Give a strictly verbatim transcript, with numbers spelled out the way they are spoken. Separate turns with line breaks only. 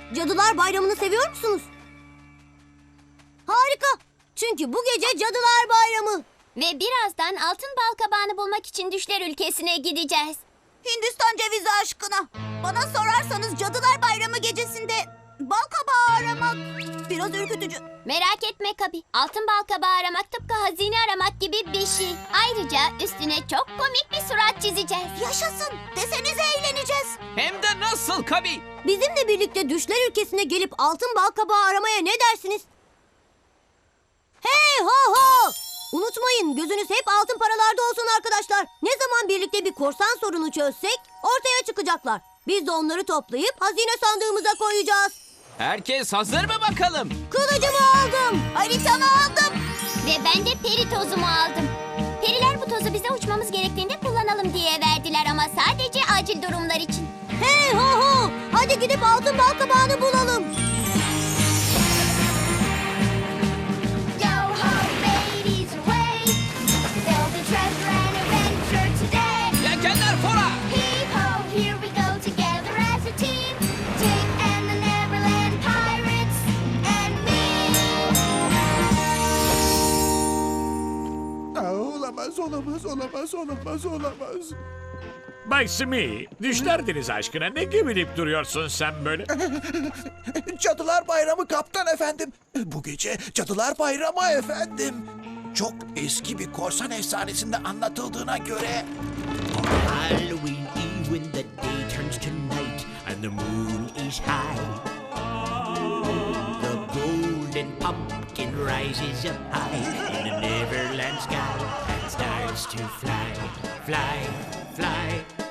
Cadılar Bayramı'nı seviyor musunuz? Harika. Çünkü bu gece Cadılar Bayramı.
Ve birazdan altın bal kabağını bulmak için düşler ülkesine gideceğiz.
Hindistan cevizi aşkına. Bana sorarsanız Cadılar Bayramı gecesinde bal kabağı aramak biraz ürkütücü.
Merak etme Kabi. Altın bal kabağı aramak tıpkı hazine aramak gibi bir şey. Ayrıca üstüne çok komik bir surat çizeceğiz.
Yaşasın. Desenize eğleneceğiz.
Hem de nasıl Kabi?
Bizimle birlikte düşler ülkesine gelip altın bal kabağı aramaya ne dersiniz? Hey ho ho! Unutmayın, gözünüz hep altın paralarda olsun arkadaşlar. Ne zaman birlikte bir korsan sorunu çözsek ortaya çıkacaklar. Biz de onları toplayıp hazine sandığımıza koyacağız.
Herkes hazır mı bakalım?
Kılıcımı aldım. Haritamı aldım.
Ve ben de peri tozumu aldım. Periler bu tozu bize uçmamız gerektiğinde kullanalım diye verdiler ama sadece acil durumlar için.
Hey ho ho! Hadi gidip altın bal kabağını bulalım.
Yelkenler fora!
Aa, olamaz, olamaz, olamaz, olamaz, olamaz.
Bay Smee, düşler deniz aşkına ne geveleyip duruyorsun sen böyle?
Cadılar Bayramı kaptan efendim. Bu gece Cadılar Bayramı efendim. Çok eski bir korsan efsanesinde anlatıldığına göre...
Halloween Eve when the day turns to night and the moon is high. The golden pumpkin rises up high in the Neverland sky and starts to fly, fly, fly.